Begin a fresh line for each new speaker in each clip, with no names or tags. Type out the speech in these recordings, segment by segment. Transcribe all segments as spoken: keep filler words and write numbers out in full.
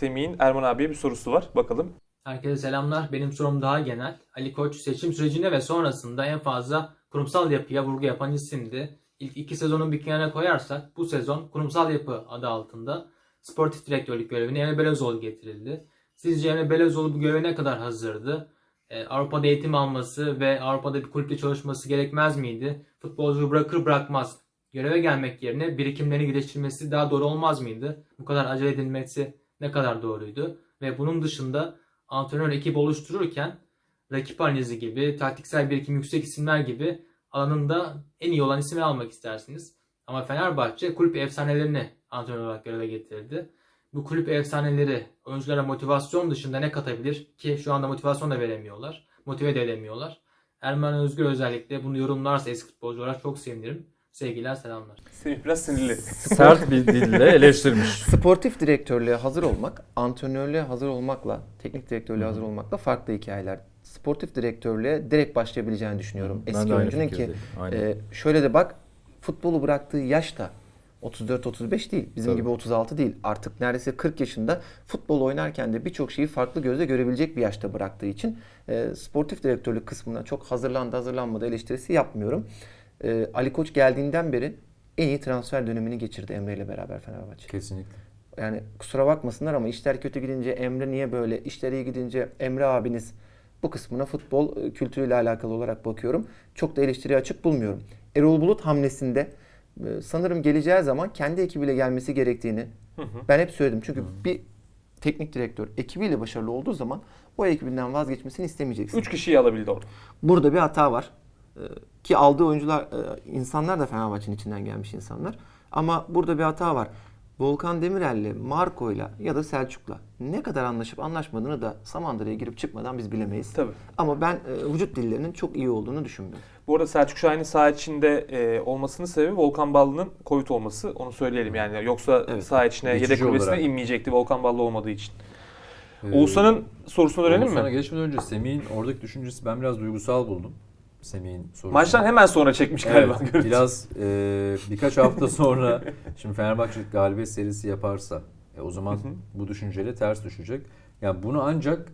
Semih'in Erman abiye bir sorusu var. Bakalım.
Herkese selamlar. Benim sorum daha genel. Ali Koç seçim sürecinde ve sonrasında en fazla kurumsal yapıya vurgu yapan isimdi. İlk iki sezonun bir kenara koyarsak bu sezon kurumsal yapı adı altında sportif direktörlük görevine Emre Belözoğlu getirildi. Sizce Emre Belözoğlu bu göreve ne kadar hazırdı? Ee, Avrupa'da eğitim alması ve Avrupa'da bir kulüpte çalışması gerekmez miydi? Futbolcuyu bırakır bırakmaz göreve gelmek yerine birikimlerini geliştirmesi daha doğru olmaz mıydı? Bu kadar acele edilmesi ne kadar doğruydu? Ve bunun dışında antrenör ekip oluştururken rakip analizi gibi, taktiksel birikim yüksek isimler gibi alanında en iyi olan ismi almak istersiniz. Ama Fenerbahçe kulüp efsanelerini antrenör olarak göreve getirdi. Bu kulüp efsaneleri oyunculara motivasyon dışında ne katabilir ki şu anda motivasyon da veremiyorlar. Motive de edemiyorlar. Erman Özgür özellikle bunu yorumlarsa eski futbolcu olarak çok sevinirim. Sevgiler, selamlar.
Semih biraz sinirli.
Sert bir dille eleştirmiş.
Sportif direktörlüğe hazır olmak, antrenörlüğe hazır olmakla, teknik direktörlüğe hazır olmakla farklı hikayeler. Sportif direktörlüğe direkt başlayabileceğini düşünüyorum.
Ben
Eski
de aynı
oyuncunun ki
fikirdeyim. Aynen.
e, şöyle de bak, futbolu bıraktığı yaş da otuz dört otuz beş değil. Bizim
Tabii.
gibi otuz altı değil. Artık neredeyse kırk yaşında futbol oynarken de birçok şeyi farklı gözle görebilecek bir yaşta bıraktığı için e, sportif direktörlük kısmına çok hazırlandı hazırlanmadı eleştirisi yapmıyorum. E, Ali Koç geldiğinden beri en iyi transfer dönemini geçirdi Emre ile beraber Fenerbahçe.
Kesinlikle.
Yani kusura bakmasınlar ama işler kötü gidince Emre niye böyle, işler iyi gidince Emre abiniz, bu kısmına futbol e, kültürüyle alakalı olarak bakıyorum. Çok da eleştiriye açık bulmuyorum. Erol Bulut hamlesinde e, sanırım geleceği zaman kendi ekibiyle gelmesi gerektiğini
Hı hı.
ben hep söyledim. Çünkü bir teknik direktör ekibiyle başarılı olduğu zaman o ekibinden vazgeçmesini istemeyeceksin.
Üç kişiyi alabildi orada.
Burada bir hata var. Ee, Ki aldığı oyuncular, e, insanlar da Fenerbahçe'nin içinden gelmiş insanlar. Ama burada bir hata var. Volkan Demirel'le, Marco'yla ya da Selçuk'la ne kadar anlaşıp anlaşmadığını da Samandıra'ya girip çıkmadan biz bilemeyiz.
Tabii.
Ama ben e, vücut dillerinin çok iyi olduğunu düşünmüyorum.
Bu arada Selçuk Şahin'in saha içinde e, olmasının sebebi Volkan Ballı'nın Covid olması. Onu söyleyelim yani. Yoksa
Evet.
saha içine
Geçici
yedek kulübesine
olarak.
inmeyecekti Volkan Ballı olmadığı için.
Ee,
Oğuzhan'ın sorusuna dönelim
Oğuzhan'a
mi?
geçmeden önce Semih'in oradaki düşüncesi ben biraz duygusal buldum. Semih'in sorusunu.
Maçtan hemen sonra çekmiş galiba.
Evet,
görüntü.
biraz e, birkaç hafta sonra şimdi Fenerbahçe galibiyet serisi yaparsa e, o zaman
Hı hı.
bu düşünceyle ters düşecek. Yani bunu ancak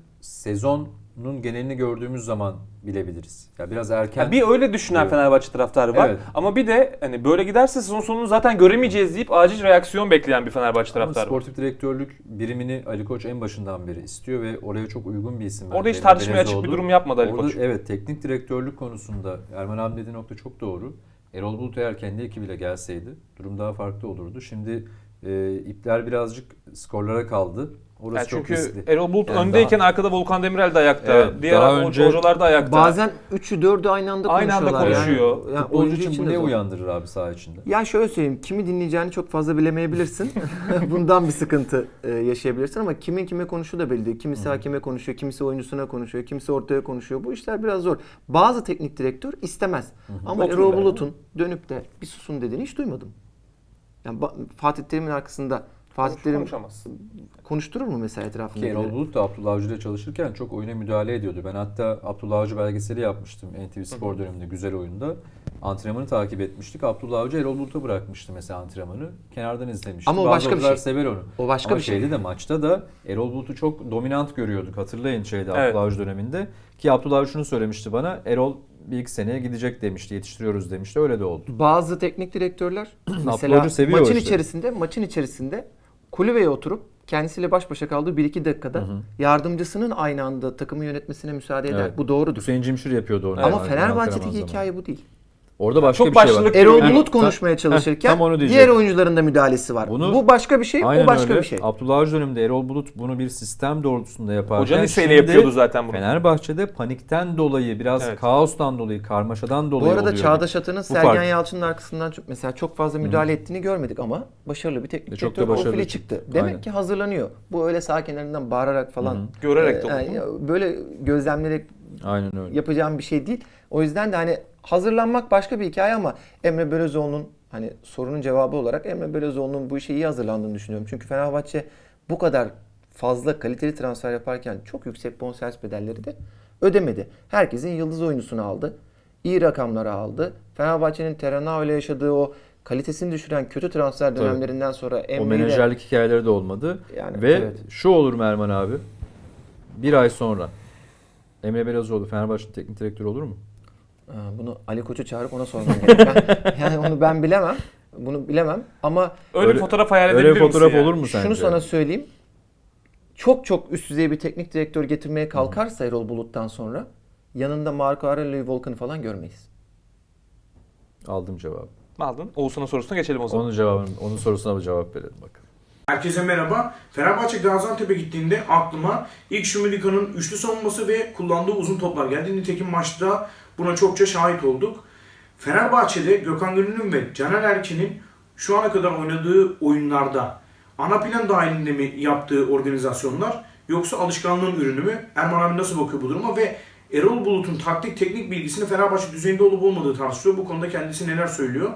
sezonun genelini gördüğümüz zaman bilebiliriz. Ya biraz erken.
Yani bir öyle düşünen
Evet.
Fenerbahçe taraftarı var.
Evet.
Ama bir de hani böyle giderse sezon sonunu zaten göremeyeceğiz deyip acil reaksiyon bekleyen bir Fenerbahçe
Ama
taraftarı var.
sportif direktörlük birimini Ali Koç en başından beri istiyor ve oraya çok uygun bir isim.
Orada
bence.
hiç tartışmaya açık bir
Belözoğlu.
durum yapmadı Ali
Orada,
Koç.
evet, teknik direktörlük konusunda Erman abi dediği nokta çok doğru. Erol Bulut eğer kendi ekibiyle gelseydi durum daha farklı olurdu. Şimdi e, ipler birazcık skorlara kaldı. Orası
Yani
çok
çünkü
riskli.
Erol Bulut
Yani
öndeyken
daha-
arkada Volkan Demirel de ayakta.
Evet,
Diğer
daha
o-
önce-
hocalar da ayakta.
Bazen üçü dördü aynı anda
Aynı anda
konuşuyorlar.
konuşuyor.
Yani, yani
Futbolcu
oyuncu
için bu
de
ne
zor.
uyandırır abi saha içinde?
Yani şöyle söyleyeyim, kimi dinleyeceğini çok fazla bilemeyebilirsin. Bundan bir sıkıntı e, yaşayabilirsin ama kimin kime konuştuğu da belli değil. Kimisi hakeme konuşuyor, kimisi oyuncusuna konuşuyor, kimisi ortaya konuşuyor. Bu işler biraz zor. Bazı teknik direktör istemez. Ama
Oturun
Erol
der,
Bulut'un dönüp de bir susun dediğini hiç duymadım. Yani ba- Fatih Terim'in arkasında Fatih
Konuş-
Terim
konuşamaz.
konuşturur mu mesela etrafında?
Ki Erol Bulut da Abdullah Avcı ile çalışırken çok oyuna müdahale ediyordu. Ben hatta Abdullah Avcı belgeseli yapmıştım N T V Spor döneminde güzel oyunda. Antrenmanı takip etmiştik. Abdullah Avcı Erol Bulut'a bırakmıştı mesela antrenmanı. Kenardan izlemiştim.
Ama o
Bazı
başka bir
oyuncular
şey.
sever onu.
O başka
Ama
bir şey.
şeyde de maçta da Erol Bulut'u çok dominant görüyorduk. Hatırlayın şeyde
Evet.
Abdullah Avcı döneminde. Ki Abdullah Avcı şunu söylemişti bana. Erol bir iki seneye gidecek demişti. Yetiştiriyoruz demişti. Öyle de oldu.
Bazı teknik direktörler
Abdullah
mesela
Hoca seviyor
maçın
işte.
içerisinde maçın içerisinde kulübeye oturup kendisiyle baş başa kaldığı bir iki dakikada yardımcısının aynı anda takımı yönetmesine müsaade eder.
Evet.
Bu doğrudur.
Hüseyin Cimşir yapıyordu onu.
Ama
Yani
Fenerbahçe'deki
antrenman zamanı.
hikaye bu değil.
Orada başka
Çok
bir şey var.
başlılık
Erol
Yani
Bulut
tam-
konuşmaya çalışırken
tam onu
diğer
diyecektim.
oyuncuların da müdahalesi var.
Bunu-
bu başka bir şey,
Aynen
o başka
öyle.
bir şey.
Abdullah Avcı döneminde Erol Bulut bunu bir sistem doğrultusunda yaparken
Hoca liseyle
şimdi
yapıyordu zaten bunu.
Fenerbahçe'de panikten dolayı, biraz
Evet.
kaostan dolayı, karmaşadan dolayı
Bu arada
oluyor.
Çağdaş Atan'ın
Bu
Sergen
fark.
Yalçın'ın arkasından çok, mesela çok fazla müdahale ettiğini görmedik ama başarılı bir teknik
E, çok da
direktör
başarılı
profili
çıktı.
çıktı. Demek
Aynen.
ki hazırlanıyor. Bu öyle sağ kenarından bağırarak falan
Görerek de
e,
oldu.
yani böyle gözlemlerek
Aynen öyle.
yapacağım bir şey değil. O yüzden de hani hazırlanmak başka bir hikaye ama Emre Belözoğlu'nun hani sorunun cevabı olarak Emre Belözoğlu'nun bu işe iyi hazırlandığını düşünüyorum. Çünkü Fenerbahçe bu kadar fazla kaliteli transfer yaparken çok yüksek bonservis bedelleri de ödemedi. Herkesin yıldız oyuncusunu aldı. İyi rakamları aldı. Fenerbahçe'nin Terenao ile yaşadığı o kalitesini düşüren kötü transfer
Tabii.
dönemlerinden sonra
O
Emre'yle
menajerlik hikayeleri de olmadı.
yani
Ve
evet.
şu olur mu Erman abi? Bir ay sonra Emre Belezoğlu Fenerbahçe teknik direktörü olur mu?
Ha, bunu Ali Koç'u çağırıp ona sormam gerek. Ben- yani onu ben bilemem. Bunu bilemem ama
Öyle,
Öyle-
bir fotoğraf hayal
Öyle
edebilir
bir
misin
fotoğraf
yani?
olur mu sence?
şunu sana söyleyeyim. Çok çok üst düzey bir teknik direktör getirmeye kalkarsa Erol Bulut'tan sonra yanında Marco Aurelio Volkan'ı falan görmeyiz.
Aldım cevabı.
Aldın. Oğuzhan'ın sorusuna geçelim o zaman.
Onun cevabını, onun sorusuna bir cevap verelim bakalım.
Herkese merhaba. Fenerbahçe Gaziantep'e gittiğinde aklıma ilk Şumilika'nın üçlü savunması ve kullandığı uzun toplar geldi. Nitekim maçta buna çokça şahit olduk. Fenerbahçe'de Gökhan Gönül'ün ve Caner Erkin'in şu ana kadar oynadığı oyunlarda ana plan dahilinde mi yaptığı organizasyonlar yoksa alışkanlığın ürünü mü? Erman abi nasıl bakıyor bu duruma ve Erol Bulut'un taktik teknik bilgisini Fenerbahçe düzeyinde olup olmadığı tartışılıyor. Bu konuda kendisi neler söylüyor?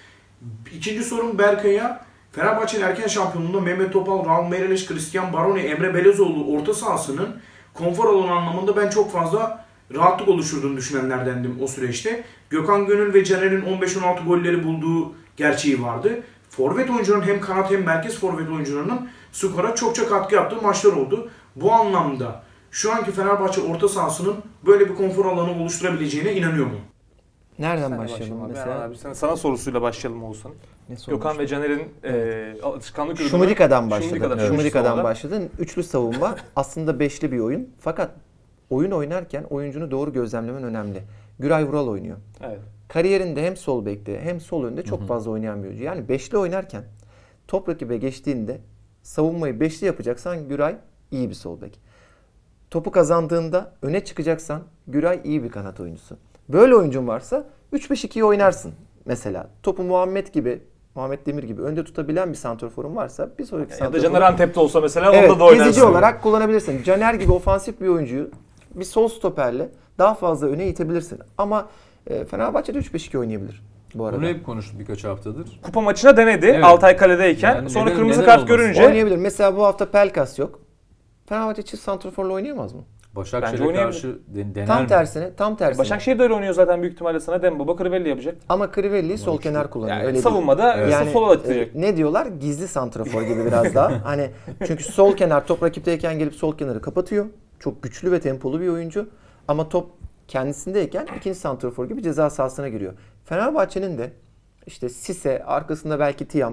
İkinci sorum Berkay'a. Fenerbahçe'nin erken şampiyonluğunda Mehmet Topal, Raul Meireles, Christian Baroni, Emre Belezoğlu orta sahasının konfor alanı anlamında ben çok fazla rahatlık oluşturduğunu düşünenlerdendim o süreçte. Gökhan Gönül ve Caner'in on beş on altı golleri bulduğu gerçeği vardı. Forvet oyuncuların hem kanat hem merkez forvet oyuncularının skora çokça katkı yaptığı maçlar oldu. Bu anlamda şu anki Fenerbahçe orta sahasının böyle bir konfor alanı oluşturabileceğine inanıyor mu?
Nereden
Sen de
başlayalım
abi.
mesela?
Abi, sana, sana sorusuyla başlayalım Oğuzhan.
Ne sormuş?
Gökhan ve Caner'in e, alışkanlık ürünü.
Şumrika'dan başladı.
Şumrika'dan,
Şumrika'dan,
Şumrika'dan
başladı. Üçlü savunma aslında beşli bir oyun. Fakat oyun oynarken oyuncunu doğru gözlemlemen önemli. Güray Vural oynuyor.
Evet.
Kariyerinde hem sol bekte hem sol önde çok fazla oynayan bir oyuncu. Yani beşli oynarken top rakibe geçtiğinde savunmayı beşli yapacaksan Güray iyi bir sol bek. Topu kazandığında öne çıkacaksan Güray iyi bir kanat oyuncusu. Böyle oyuncun varsa üç beş ikiyi oynarsın mesela. Topu Muhammed gibi, Muhammed Demir gibi önde tutabilen bir santrforun varsa bir sonraki
Ya da
santrforun...
Caner Antep'te olsa mesela
Evet,
onda da oynarsın.
gezici olarak kullanabilirsin. Caner gibi ofansif bir oyuncuyu bir sol stoperle daha fazla öne itebilirsin. Ama e, Fenerbahçe'de üç beş iki oynayabilir bu arada.
Bunu hep konuştuk birkaç haftadır.
Kupa maçına denedi
Evet.
Altay kaledeyken.
Yani
sonra
neden-
kırmızı
neden
kart
olmasın?
görünce
Oynayabilir. Mesela bu hafta Pelkas yok. Fenerbahçe çift santrforla oynayamaz mı?
Bence
Başakşehir'e
oynayabilir.
karşı den- dener
Tam
mi?
tersine, tam tersine.
Başakşehir de öyle oynuyor zaten büyük ihtimalle sana. Demba Bakırvelli yapacak.
Ama Crivelli'yi sol kenar kullanıyor.
Yani
öyle değil.
savunmada
Evet.
yani, sola atacak.
e, ne diyorlar? Gizli santrafor gibi biraz daha. Hani çünkü sol kenar top rakipteyken gelip sol kenarı kapatıyor. Çok güçlü ve tempolu bir oyuncu. Ama top kendisindeyken ikinci santrafor gibi ceza sahasına giriyor. Fenerbahçe'nin de işte Sise, arkasında belki Tiam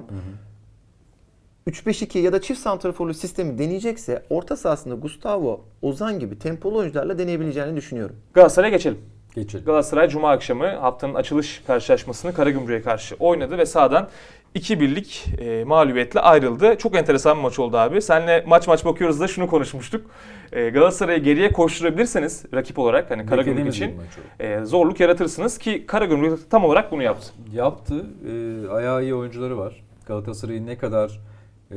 üç beş iki ya da çift santraforlu sistemi deneyecekse orta sahasında Gustavo, Ozan gibi tempolu oyuncularla deneyebileceğini düşünüyorum.
Galatasaray'a geçelim.
Geçelim.
Galatasaray Cuma akşamı haftanın açılış karşılaşmasını Karagümrük'e karşı oynadı ve sahadan iki birlik e, mağlubiyetle ayrıldı. Çok enteresan bir maç oldu abi. Seninle maç maç bakıyoruz da şunu konuşmuştuk. E, Galatasaray'ı geriye koşturabilirseniz rakip olarak hani Karagümrük
Beklediğimiz
için
bir maç oldu.
e, zorluk yaratırsınız ki Karagümrük tam olarak bunu yaptı.
Yaptı. E, ayağı iyi oyuncuları var. Galatasaray'ı ne kadar e,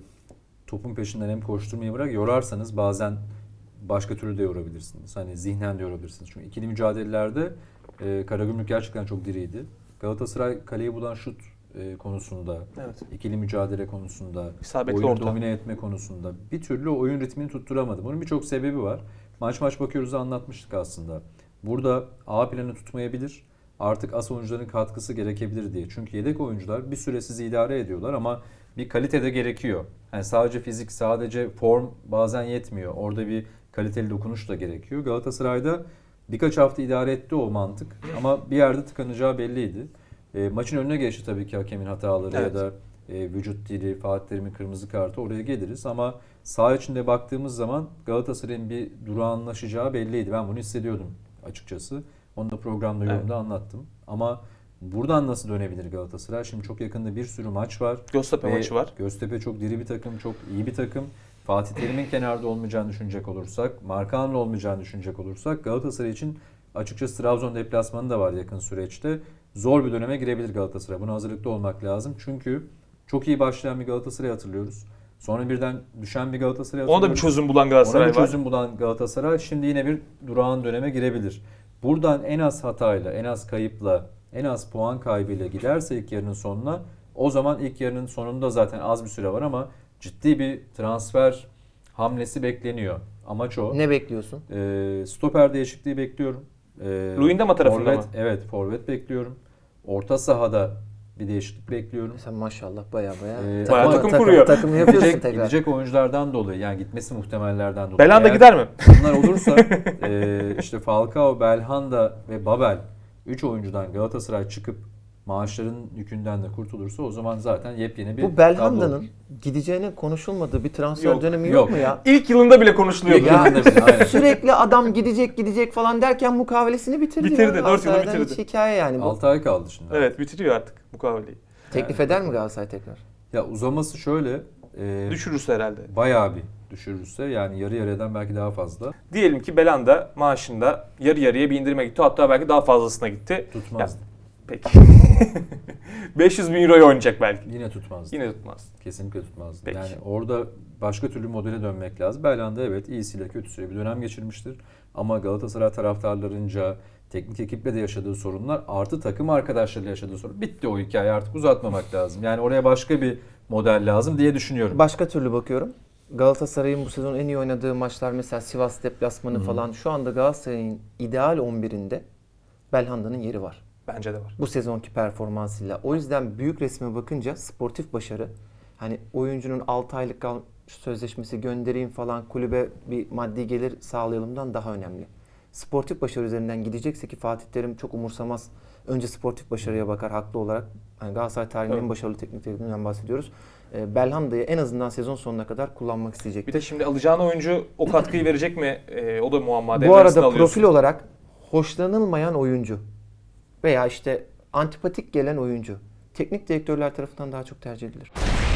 topun peşinden hem koşturmayı bırak yorarsanız bazen başka türlü de yorabilirsiniz. Hani zihnen de yorabilirsiniz. Çünkü ikili mücadelelerde e, Karagümrük gerçekten çok diriydi. Galatasaray kaleyi bulan şut e, konusunda,
Evet.
ikili mücadele konusunda,
İsabetli
oyunu
orta.
domine etme konusunda bir türlü oyun ritmini tutturamadı. Bunun birçok sebebi var. Maç maç bakıyoruz anlatmıştık aslında. Burada A planı tutmayabilir. Artık as oyuncuların katkısı gerekebilir diye. Çünkü yedek oyuncular bir süre sizi idare ediyorlar ama bir kalite de gerekiyor. Yani sadece fizik, sadece form bazen yetmiyor. Orada bir kaliteli dokunuş da gerekiyor. Galatasaray'da birkaç hafta idare etti o mantık ama bir yerde tıkanacağı belliydi. E, maçın önüne geçti tabii ki hakemin hataları
Evet.
ya da e, vücut dili, Fatih Terim'in kırmızı kartı, oraya geliriz ama saha içinde baktığımız zaman Galatasaray'ın bir durağanlaşacağı belliydi. Ben bunu hissediyordum açıkçası. Onu da programda,
Evet.
yorumda anlattım. Ama buradan nasıl dönebilir Galatasaray? Şimdi çok yakında bir sürü maç var.
Göztepe
Ve
maçı var.
Göztepe çok diri bir takım, çok iyi bir takım. Fatih Terim'in kenarda olmayacağını düşünecek olursak, Markan'la olmayacağını düşünecek olursak Galatasaray için açıkçası Trabzon deplasmanı da var yakın süreçte. Zor bir döneme girebilir Galatasaray. Buna hazırlıklı olmak lazım. Çünkü çok iyi başlayan bir Galatasaray hatırlıyoruz. Sonra birden düşen bir Galatasaray hatırlıyoruz.
Ona da bir çözüm bulan Galatasaray
Ona bir
var.
çözüm bulan Galatasaray şimdi yine bir durağan döneme girebilir. Buradan en az hatayla, en az kayıpla, en az puan kaybıyla giderse ilk yarının sonuna, o zaman ilk yarının sonunda zaten az bir süre var ama ciddi bir transfer hamlesi bekleniyor. Amaç o.
Ne bekliyorsun?
Ee, stoper değişikliği bekliyorum. Ee,
Luyendama tarafında
forvet,
mı?
Evet, forvet bekliyorum. Orta sahada bir değişiklik bekliyorum.
Sen maşallah baya baya
Ee,
Bayağı
ama
takım kuruyor.
Takım yapıyorsun
Gidecek,
tekrar.
gidecek oyunculardan dolayı yani gitmesi muhtemellerden dolayı.
Belhanda
Eğer
gider mi?
bunlar olursa e, işte Falcao, Belhanda ve Babel üç oyuncudan Galatasaray çıkıp maaşların yükünden de kurtulursa o zaman zaten yepyeni bir
Bu
tablo
Belhanda'nın
olur.
gideceğine konuşulmadığı bir transfer
Yok,
dönemi yok,
yok.
mu ya?
İlk yılında bile konuşuluyordu.
Ya
Aynen.
sürekli adam gidecek gidecek falan derken mukavelesini bitirdi.
Bitirdi,
ya.
dört yılı
Galatasaray'dan
bitirdi.
Hiç hikaye yani bu.
altı ay kaldı şimdi.
Evet, bitiriyor artık mukaveleyi.
Teklif
Yani-
eder mi Galatasaray tekrar?
Ya uzaması şöyle e,
Düşürürse herhalde.
bayağı bir düşürürse yani yarı yarıyadan belki daha fazla
Diyelim ki Belhanda maaşında yarı yarıya bir indirime gitti. Hatta belki daha fazlasına gitti.
tutmaz.
Peki. beş yüz bin euroya oynayacak belki.
Yine tutmaz.
Yine tutmaz.
Kesinlikle tutmaz.
Peki.
Yani orada başka türlü modele dönmek lazım. Belhanda evet iyisiyle kötüsüyle bir dönem geçirmiştir. Ama Galatasaray taraftarlarınca teknik ekiple de yaşadığı sorunlar artı takım arkadaşlarıyla yaşadığı sorun. Bitti o hikaye, artık uzatmamak lazım. Yani oraya başka bir model lazım diye düşünüyorum.
Başka türlü bakıyorum. Galatasaray'ın bu sezon en iyi oynadığı maçlar mesela Sivas deplasmanı falan. Şu anda Galatasaray'ın ideal on birinde Belhanda'nın yeri var.
Bence de var.
Bu sezonki performansıyla. O yüzden büyük resme bakınca sportif başarı, hani oyuncunun altı aylık kal- sözleşmesi göndereyim falan kulübe bir maddi gelir sağlayalımdan daha önemli. Sportif başarı üzerinden gidecekse ki Fatih Terim çok umursamaz. Önce sportif başarıya bakar haklı olarak. Hani Galatasaray tarihinin
Evet.
en başarılı teknik direktöründen bahsediyoruz. Ee, Belhanda'yı en azından sezon sonuna kadar kullanmak isteyecek.
Bir de şimdi alacağın oyuncu o katkıyı verecek mi? Ee, o da muamma.
Bu
Devre arasında
arada
alıyorsun.
profil olarak hoşlanılmayan oyuncu veya işte antipatik gelen oyuncu teknik direktörler tarafından daha çok tercih edilir.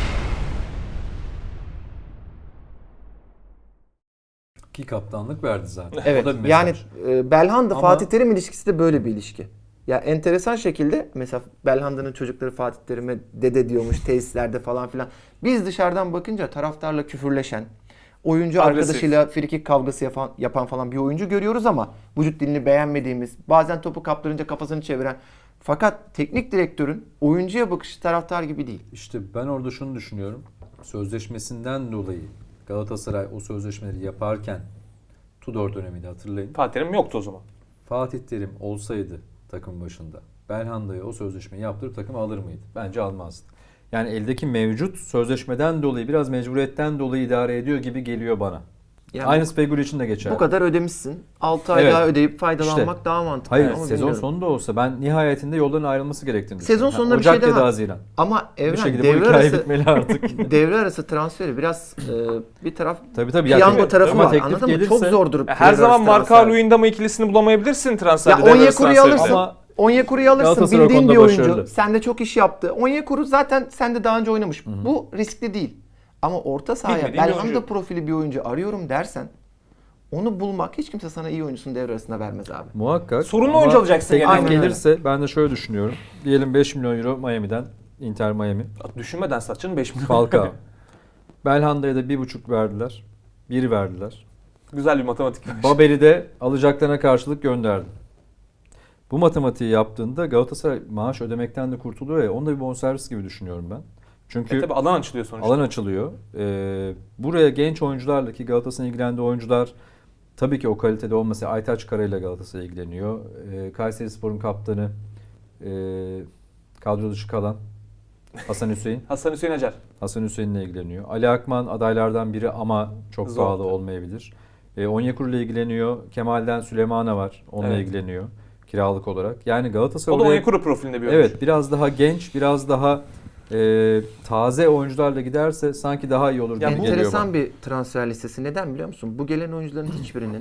Ki kaptanlık verdi zaten.
Evet.
O da bir
Yani
mesaj.
e, Belhanda
Ama-
Fatih Terim ilişkisi de böyle bir ilişki. Ya enteresan şekilde mesela Belhanda'nın çocukları Fatih Terim'e dede diyormuş tesislerde falan filan. Biz dışarıdan bakınca taraftarla küfürleşen, oyuncu
Agresif.
arkadaşıyla frikik kavgası yapan, yapan falan bir oyuncu görüyoruz ama vücut dilini beğenmediğimiz, bazen topu kaptırınca kafasını çeviren. Fakat teknik direktörün oyuncuya bakışı taraftar gibi değil.
İşte ben orada şunu düşünüyorum. Sözleşmesinden dolayı Galatasaray o sözleşmeleri yaparken Tudor döneminde hatırlayın.
Fatih Terim yoktu o zaman.
Fatih Terim olsaydı takım başında Belhanda'ya o sözleşmeyi yaptırıp takımı alır mıydı? Bence almazdı. Yani eldeki mevcut sözleşmeden dolayı biraz mecburiyetten dolayı idare ediyor gibi geliyor bana.
Yani
Aynısı Feguli için de geçer.
bu kadar ödemişsin. altı ay
Evet.
daha ödeyip faydalanmak
İşte.
daha mantıklı.
Hayır,
Ama
sezon
bilmiyorum.
sonunda olsa ben nihayetinde yolların ayrılması gerektiğini
Sezon
düşünüyorum.
sonunda
Ha,
bir şey
Ocak ya
demem.
da Haziran.
Ama
Bir
Evren
şekilde bu
devre
hikaye
arası
bitmeli artık.
devre arası transferi biraz e, bir taraf
Tabii tabii. Ya
piyango
tabii.
tarafı
Ama
var.
teklif
Anladın mı?
gelirse-
Çok zordur.
Ya her
devre
zaman
arası
Marka
transfer.
Luyendama ikilisini bulamayabilirsin transferde.
Ya
devre arası
Onyekuru'yu
transferinde.
alırsın.
Ama
Onyekuru'yu alırsın.
Galatasaray
Bildiğin
konuda
bir oyuncu.
başarılı.
Sende çok iş yaptı. Onyekuru zaten sende daha önce oynamış. Bu riskli değil. Ama orta sahaya
Bilmediğin bir
Belhanda
oyuncu.
profili bir oyuncu arıyorum dersen onu bulmak hiç kimse sana iyi oyuncusunu devre arasında vermez abi.
muhakkak.
Sorunlu
Ama
oyuncu alacaksın
teklif
yani.
Aynen öyle.
gelirse ben de şöyle düşünüyorum. Diyelim beş milyon euro Miami'den, Inter Miami.
Düşünmeden satçının beş milyon.
Falcao. Belhanda'ya da bir buçuk verdiler. Bir verdiler.
Güzel bir matematik.
Babel'i de alacaklarına karşılık gönderdi. Bu matematiği yaptığında Galatasaray maaş ödemekten de kurtuluyor ya. Onu da bir bonservis gibi düşünüyorum ben. Çünkü
E tabii alan açılıyor sonuçta.
alan açılıyor. Ee, buraya genç oyuncularla ki Galatasaray'ın ilgilendiği oyuncular tabii ki o kalitede olmasa Aytaç Kara ile Galatasaray ilgileniyor. Ee, Kayserispor'un kaptanı e, kadro dışı kalan Hasan Hüseyin.
Hasan Hüseyin Acar.
Hasan Hüseyin'le ilgileniyor. Ali Akman adaylardan biri ama çok
Zor
pahalı
tabii.
olmayabilir. E, Onyekuru ile ilgileniyor. Kemal'den Süleymana var. Onunla
Evet.
ilgileniyor kiralık olarak. Yani Galatasaray
O da
oraya-
Onyekuru profilinde bir oyuncu.
evet biraz daha genç, biraz daha e, taze oyuncularla giderse sanki daha iyi olur
Ya
gibi
bu
geliyor
Enteresan
bana.
bir transfer listesi. Neden biliyor musun? Bu gelen oyuncuların hiçbirinin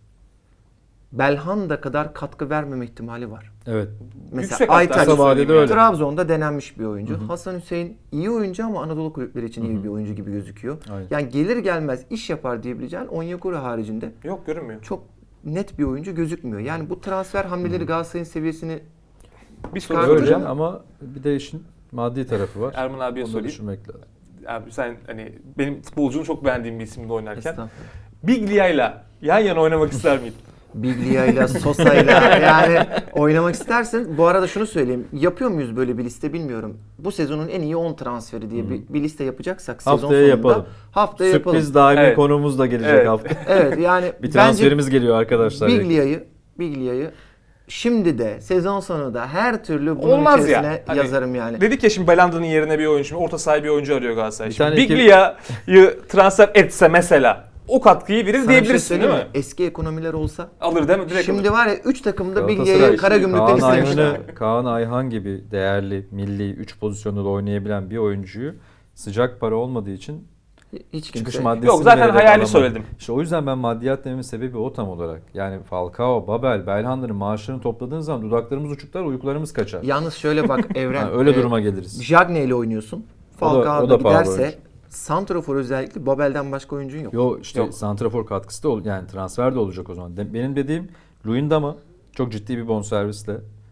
Belhanda kadar katkı vermeme ihtimali var.
Evet.
Mesela
Yüksek hatta,
Aytaç
öyle söyleyeyim
vadede öyle.
Trabzon'da denenmiş bir oyuncu. Hasan Hüseyin iyi oyuncu ama Anadolu kulüpleri için iyi bir oyuncu gibi gözüküyor.
Aynen.
Yani gelir gelmez iş yapar diyebileceğin Onyekuru haricinde
Yok görünmüyor.
çok net bir oyuncu gözükmüyor. Yani bu transfer hamleleri Galatasaray'ın seviyesini
Bir soru
Çıkartacağım.
Öyle
soracağım.
ama bir de işin maddi tarafı var.
Erman abiye
Onu da
sorayım.
düşünmek lazım.
Abi sen hani benim futbolcunu çok beğendiğim bir isimde oynarken.
Estağfurullah.
Biglia'yla yan yana oynamak ister miydin?
Biglia'yla, Sosa'yla yani oynamak istersin. Bu arada şunu söyleyeyim. Yapıyor muyuz böyle bir liste bilmiyorum. Bu sezonun en iyi on transferi diye bir, bir liste yapacaksak sezon
Haftaya
sonunda
yapalım.
haftaya yapalım.
Sürpriz daimi
Evet.
konumuz da gelecek
Evet.
hafta.
Evet yani
Bir
bence
transferimiz geliyor arkadaşlar.
Biglia'yı Biglia'yı Şimdi de sezon sonu da her türlü bunun
Olmaz ya.
içerisine
Hani
yazarım yani.
Dedik ya şimdi Belanda'nın yerine bir oyuncu, orta sahaya bir oyuncu arıyor Galatasaray.
Bir
Şimdi
tane iki-
Biglia'yı transfer etse mesela o katkıyı verir
Sana bir şey
diyebilirsin
söyleyeyim
değil mi?
Eski ekonomiler olsa.
Alır değil mi? Direkt
Şimdi
alır.
var ya üç takımda
Galatasaray
Biglia'yı
işte
Karagümrük'ten
Kaan
istemişler.
Ayhan'ı, Kaan Ayhan gibi değerli milli üç pozisyonda da oynayabilen bir oyuncuyu sıcak para olmadığı için
Hiç
çıkış
kimse.
maddesini
Yok zaten
vererek
hayali
alamadı.
söyledim.
İşte o yüzden ben maddiyat dememin sebebi o tam olarak. Yani Falcao, Babel, Belhanda'nın maaşlarını topladığın zaman dudaklarımız uçuklar, uykularımız kaçar.
Yalnız şöyle bak Evren.
Yani öyle
e,
duruma geliriz.
Jagne ile oynuyorsun.
O da-
Falcao
o
da
da pahalı
giderse
oyuncu.
santrafor özellikle Babel'den başka oyuncun yok.
Yo işte
Yok.
santrafor katkısı da ol, yani transfer de olacak o zaman. De- benim dediğim Luyendam'a çok ciddi bir bonservisle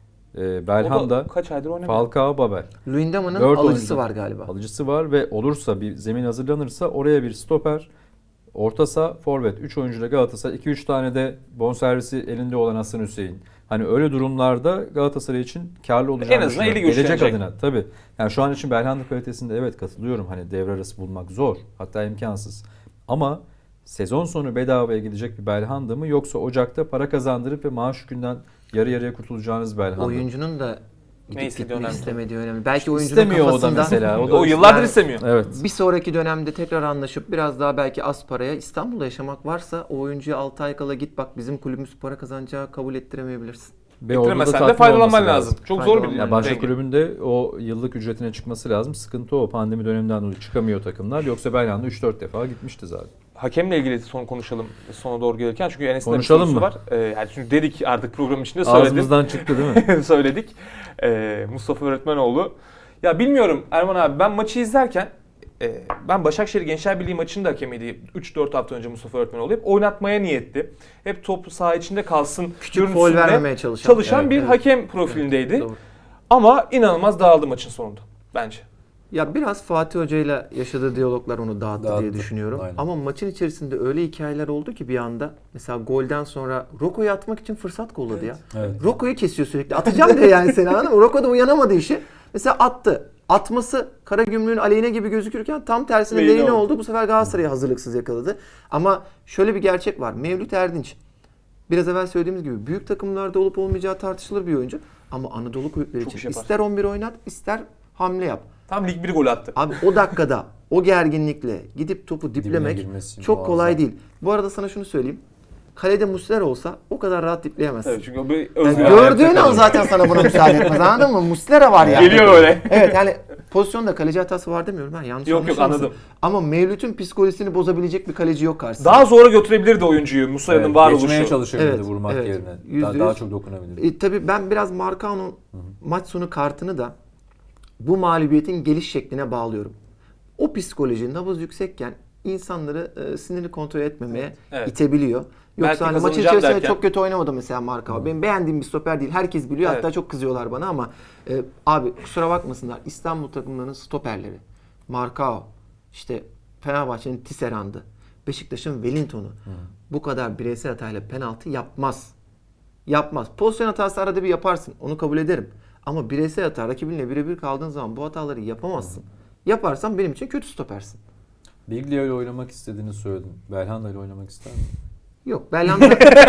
e,
O
Belhanda,
da kaç aydır oynamıyor.
Falcao, Babel.
Luyendama'nın
Dört
alıcısı
oyuncu.
var galiba.
Alıcısı var ve olursa bir zemin hazırlanırsa oraya bir stoper, orta saha, forvet. üç oyuncuyla Galatasaray, iki üç tane de bonservisi elinde olan Hasan Hüseyin. Hani öyle durumlarda Galatasaray için karlı olacağını
En azından eli
düşünüyorum. Gelecek
güçlenecek.
adına tabii. Yani şu an için Belhanda kalitesinde evet katılıyorum. Hani devre arası bulmak zor. Hatta imkansız. Ama sezon sonu bedavaya gidecek bir Belhanda mı yoksa Ocak'ta para kazandırıp ve maaş yükünden yarı yarıya kurtulacağınız Belhanda mı?
Oyuncunun da
Ne
gidip
istediği
gitmek
önemli.
istemediği önemli. Belki oyuncunun
İstemiyor o da
kafasında
mesela. O da
O yıllardır
Yani-
istemiyor.
Evet.
bir sonraki dönemde tekrar anlaşıp biraz daha belki az paraya İstanbul'da yaşamak varsa o oyuncuya altı ay kala git bak bizim kulübümüz para kazanacağı kabul ettiremeyebilirsin.
Ve orada da
Ettiremesen de
tatmin
faydalanman
olması
lazım. Çok zor bir
Faydalanman
Ya başka
denge.
kulübünde o yıllık ücretine çıkması lazım. Sıkıntı o. Pandemi döneminden dolayı çıkamıyor takımlar. Yoksa Belhanda üç dört defa gitmişti zaten.
Hakemle ilgili son konuşalım sona doğru gelirken çünkü Enes'in de bir
Konuşalım
sorusu
mı?
var. Ee, yani çünkü dedik artık programın içinde söyledim.
Ağzımızdan çıktı değil mi?
Söyledik. Ee, Mustafa Öğretmenoğlu. Ya bilmiyorum Erman abi ben maçı izlerken e, ben Başakşehir Gençler Birliği maçının da hakemiydi. üç dört hafta önce Mustafa Öğretmenoğlu hep oynatmaya niyetli. Hep top saha içinde kalsın.
Küçük
görüntüsünde
foul vermemeye çalışan.
Çalışan
Evet,
bir
evet.
hakem profilindeydi.
Doğru.
Ama inanılmaz dağıldı maçın sonunda bence.
Ya biraz Fatih Hoca ile yaşadığı diyaloglar onu dağıttı,
Dağıttı.
diye düşünüyorum.
Aynen.
Ama maçın içerisinde öyle hikayeler oldu ki bir anda mesela golden sonra Roko'yu atmak için fırsat kolladı ya.
Evet.
Roko'yu kesiyor sürekli. Atacağım diye yani seni anladın mı? Roko da uyanamadı işi. Mesela attı. Atması Karagümrük'ün aleyhine gibi gözükürken tam tersine
Lehine
lehine
oldu.
oldu. Bu sefer Galatasaray'ı hazırlıksız yakaladı. Ama şöyle bir gerçek var. Mevlüt Erdinç biraz evvel söylediğimiz gibi büyük takımlarda olup olmayacağı tartışılır bir oyuncu. Ama Anadolu kulüpleri
Çok iş
için
yapar.
ister on bir oynat ister hamle yap.
Tam lig bir gol attı.
Abi o dakikada o gerginlikle gidip topu diplemek
girmesi
çok
muazzam.
kolay değil. Bu arada sana şunu söyleyeyim. Kalede Muslera olsa o kadar rahat dipleyemezsin.
Evet çünkü o bir
Yani
özgür.
gördüğün an zaten sana buna müsaade etmez. Anladın mı? Muslera var yani.
Geliyor öyle.
Evet yani pozisyonda kaleci hatası var demiyorum. Ben yanlış
Yok, yok,
anlaşılmasın.
anladım.
Ama Mevlüt'ün psikolojisini bozabilecek bir kaleci yok karşısında.
Daha zora götürebilirdi oyuncuyu Musa'nın
Evet,
varoluşu.
geçmeye çalışabilirdi
Evet,
vurmak
evet.
yerine.
Yüzde
Daha, daha
yüz.
çok dokunabilirdi.
E, tabii ben biraz Marcao'nun maç sonu kartını da bu mağlubiyetin geliş şekline bağlıyorum. O psikoloji nabız yüksekken insanları e, sinirini kontrol etmemeye
Evet.
itebiliyor.
Belki
Yoksa hani maçın
kazanacağım
içerisinde
derken-
çok kötü oynamadı mesela Marcao. Benim beğendiğim bir stoper değil. Herkes biliyor.
Evet.
Hatta çok kızıyorlar bana ama e, abi kusura bakmasınlar. İstanbul takımlarının stoperleri. Marcao, işte Fenerbahçe'nin Tisserand'ı, Beşiktaş'ın Wellington'u bu kadar bireysel hatayla penaltı yapmaz. Yapmaz. Pozisyon hatası arada bir yaparsın. Onu kabul ederim. Ama bireysel hata rakibinle birebir kaldığın zaman bu hataları yapamazsın. Yaparsan benim için kötü stopersin.
Biglia ile oynamak istediğini söyledin. Belhanda ile oynamak ister misin?
Yok. Belhanda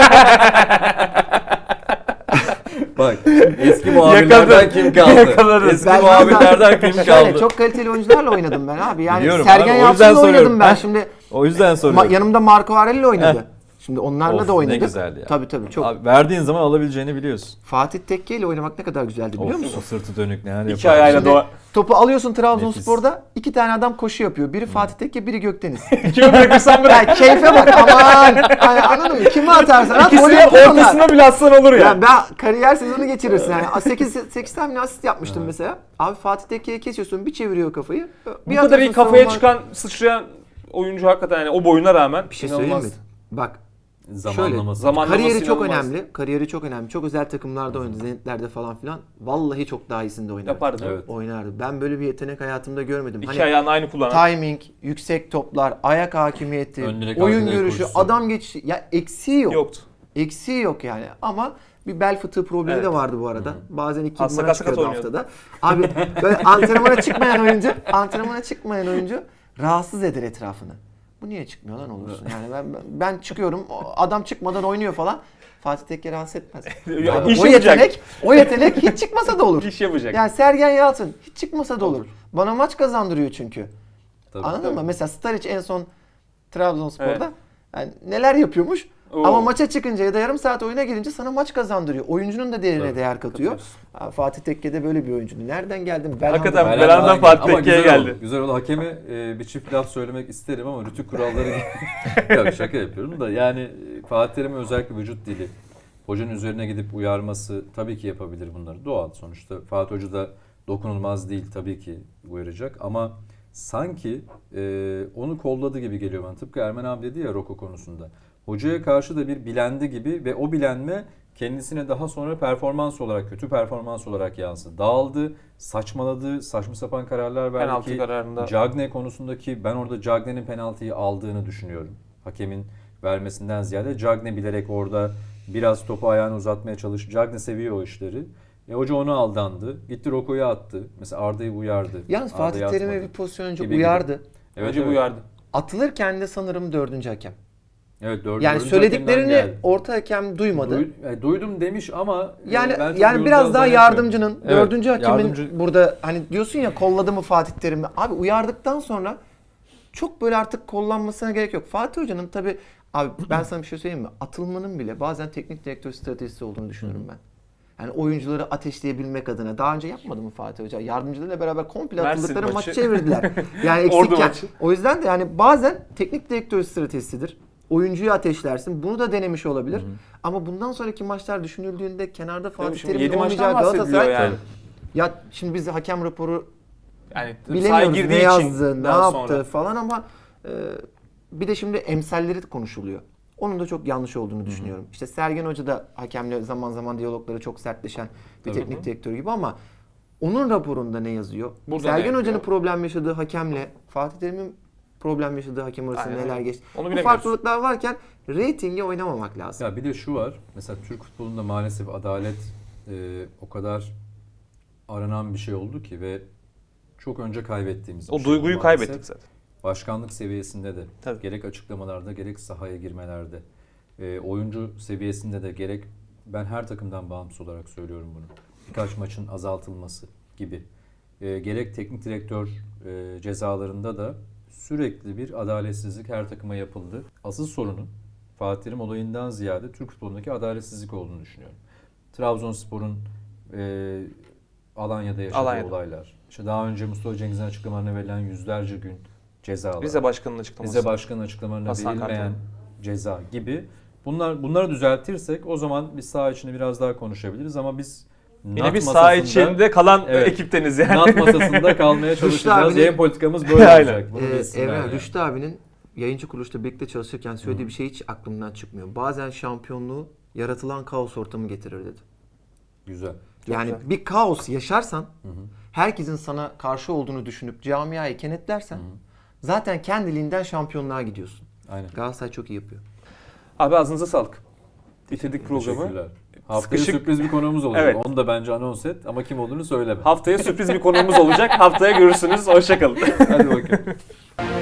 Bak eski muhabirlerden
Yakaladı.
kim kaldı?
Yakaladı.
Eski
Belhanda-
muhabirlerden kim
Şöyle,
kaldı?
çok kaliteli oyuncularla oynadım ben abi. Yani
Biliyorum
Sergen
abi, o yüzden
Yalçın'la oynadım
soruyorum.
ben.
Heh.
Şimdi
O yüzden
ma-
soruyorum.
yanımda Marco Aurelio oynadı.
Heh.
Şimdi onlarla
Of,
da oynadık.
ne güzel ya.
Tabii tabii çok.
Abi, verdiğin zaman alabileceğini biliyorsun.
Fatih Tekke ile oynamak ne kadar güzeldi biliyor
Of,
musun?
o sırtı dönük ne hal
İki
yapar.
ayağıyla
Şimdi
doğa.
topu alıyorsun Trabzonspor'da iki tane adam koşu yapıyor. Biri Fatih Tekke, biri Gökdeniz.
Kimi bırakırsan bırak.
Ya keyfe bak aman. Hani anladın mı? Kimi atarsan at. gol
İkisinin
yapıyor onlar.
ortasına bile atsan olur ya.
Ya ben kariyer sezonu geçirirsin yani. sekiz sekiz tane asist yapmıştım mesela. Abi Fatih Tekke'ye kesiyorsun, bir çeviriyor kafayı.
Bu
Bir
kadar iyi
atıyorsun
kafaya
savunma-
çıkan, sıçrayan oyuncu hakikaten yani o boyuna rağmen
Bir şey
inanılmaz.
söyleyeyim mi? Bak
Zamanlaması.
Zaman-
kariyeri çok
inanılmaz.
önemli. Kariyeri çok önemli. Çok özel takımlarda oynadı. Zenitler'de falan filan. Vallahi çok daha iyisinde oynardı.
Yapardı.
Evet.
Oynardı. Ben böyle bir yetenek hayatımda görmedim.
İki
Hani
ayağını aynı kullanan.
timing, yüksek toplar, ayak hakimiyeti,
Ön direk,
oyun
arka direk
görüşü,
koşusu.
adam geçişi. Ya eksiği yok.
Yoktu.
Eksiği yok yani. Ama bir bel fıtığı problemi
Evet.
de vardı bu arada. Bazen iki
Az
numara
sakat sakat
çıkıyordu
oynuyordu.
haftada. Abi böyle antrenmana çıkmayan oyuncu, antrenmana çıkmayan oyuncu rahatsız eder etrafını. bu niye çıkmıyor lan olursun. Yani ben ben çıkıyorum adam çıkmadan oynuyor falan. Fatih Tekke rahatsız etmez.
Ya,
Yani
iş
o
yapacak.
yetenek, o yetenek hiç çıkmasa da olur.
İş yapacak.
Yani Sergen Yalçın hiç çıkmasa da olur. Bana maç kazandırıyor çünkü.
Tabii,
Anladın
tabii.
mı? Mesela Staric en son Trabzonspor'da
Evet.
yani neler yapıyormuş
Oo.
ama maça çıkınca ya da yarım saat oyuna girince sana maç kazandırıyor. Oyuncunun da değerine
Tabii,
değer katıyor.
katıyorsun.
Ha, Fatih Tekke de böyle bir oyuncuydu. Nereden geldin?
Hakikaten
Belhanda'dan
Belhanda'dan Fatih
Ama
Tekke'ye
güzel
geldi.
oldu. Güzel oldu. Hakeme e, bir çift laf söylemek isterim ama rütük kuralları Yok, şaka yapıyorum da yani e, Fatih Terim'in özellikle vücut dili, hocanın üzerine gidip uyarması tabii ki yapabilir bunları. Doğal sonuçta. Fatih Hoca da dokunulmaz değil, tabii ki uyaracak ama sanki e, onu kolladı gibi geliyor bana. Tıpkı Ermen abi dedi ya Roko konusunda. Hocaya karşı da bir bilendi gibi ve o bilenme kendisine daha sonra performans olarak, kötü performans olarak yansıdı. Dağıldı, saçmaladı, saçma sapan kararlar verdi
Penaltı
ki
kararında.
Cagne konusundaki ben orada Cagne'nin penaltıyı aldığını düşünüyorum. Hakemin vermesinden ziyade Cagne bilerek orada biraz topu ayağını uzatmaya çalıştı. Cagne seviyor o işleri. E, hoca onu aldandı. Gitti Roko'yu attı. Mesela Arda'yı uyardı.
Yalnız
Arda'yı
Fatih Terim'e
atmadı.
bir pozisyon önce
Gibi
uyardı.
gibi. Evet,
Önce
evet.
uyardı.
Atılırken de sanırım dördüncü hakem.
Evet, dördüncü
Yani
hakemden
söylediklerini
geldi.
orta hakem duymadı.
Duy- e, duydum demiş ama e,
Yani
ben çok
yani
duyulacağını
biraz daha
zannetmiyorum.
yardımcının,
Evet,
dördüncü hakemin
yardımcı-
burada hani diyorsun ya kolladı mı Fatih Terim'i? Abi uyardıktan sonra çok böyle artık kollanmasına gerek yok. Fatih Hoca'nın tabii abi ben sana bir şey söyleyeyim mi? Atılmanın bile bazen teknik direktör stratejisi olduğunu düşünüyorum ben. Yani oyuncuları ateşleyebilmek adına. Daha önce yapmadı mı Fatih Hoca? Yardımcılarıyla beraber komple
Mersin
atıldıkları maçı
maçı.
çevirdiler. Yani
Ordu
eksikken.
maçı.
O yüzden de yani bazen teknik direktör stratejisidir. Oyuncuyu ateşlersin. Bunu da denemiş olabilir. Ama bundan sonraki maçlar düşünüldüğünde kenarda Fatih
Şimdi
Terim'in
yedi maçtan
olmayacağı
bahsediliyor
Galatasaray.
yani.
Ya şimdi biz hakem raporu
Yani sahaya
bilemiyoruz
girdiği
ne
için
yazdı, ne
daha
yaptı
sonra.
falan ama e, bir de şimdi emsalleri konuşuluyor. Onun da çok yanlış olduğunu düşünüyorum. İşte Sergen Hoca da hakemle zaman zaman diyalogları çok sertleşen bir
Tabii.
teknik direktör gibi ama onun raporunda ne yazıyor?
Burada ne
Sergen
yapıyor?
Hoca'nın problem yaşadığı hakemle Fatih Terim'in problem yaşadığı hakem arasında
Aynen
neler
öyle.
geçti?
Onu
Bu
bilemiyoruz.
farklılıklar varken reytinge oynamamak lazım.
Ya bir de şu var. Mesela Türk futbolunda maalesef adalet e, o kadar aranan bir şey oldu ki ve çok önce kaybettiğimiz bir
O
şey
duyguyu
oldu maalesef.
kaybettik zaten.
Başkanlık seviyesinde de
Tabii.
gerek açıklamalarda gerek sahaya girmelerde e, oyuncu seviyesinde de gerek ben her takımdan bağımsız olarak söylüyorum bunu. Birkaç maçın azaltılması gibi. E, gerek teknik direktör e, cezalarında da sürekli bir adaletsizlik her takıma yapıldı. Asıl sorunun Fatih Terim olayından ziyade Türk futbolundaki adaletsizlik olduğunu düşünüyorum. Trabzonspor'un e, Alanya'da yaşadığı
Alanya'da.
olaylar. İşte daha önce Mustafa Cengiz'in açıklamalarına verilen yüzlerce gün cezalar.
Rize Başkanı'nın açıklaması.
Rize Başkanı'nın açıklamalarına
Hasan
verilmeyen
Kartal.
ceza gibi. Bunlar bunları düzeltirsek o zaman biz saha içinde biraz daha konuşabiliriz ama biz
Yine
NAT
bir saha
masasında-
içinde kalan
Evet.
ekipteniz yani.
NAT masasında kalmaya çalışacağız.
abinin-
Yayın politikamız böyle
Aynen.
olacak. Bunu
Ee,
bilsinler
Evren
yani.
Rüştü abinin yayıncı kuruluşta birlikte çalışırken söylediği bir şey hiç aklımdan çıkmıyor. Bazen şampiyonluğu yaratılan kaos ortamı getirir dedi.
Güzel.
Yani
güzel.
bir kaos yaşarsan, herkesin sana karşı olduğunu düşünüp camiayı kenetlersen zaten kendiliğinden şampiyonluğa gidiyorsun.
Aynen.
Galatasaray çok iyi yapıyor.
Abi ağzınıza sağlık. Bitirdik programı.
Teşekkürler. Haftaya
Sıkışık-
sürpriz bir konuğumuz olacak.
Evet.
Onu da bence anons et ama kim olduğunu söyleme.
Haftaya sürpriz bir konuğumuz olacak. Haftaya görürsünüz. Hoşçakalın.
Hadi bakalım.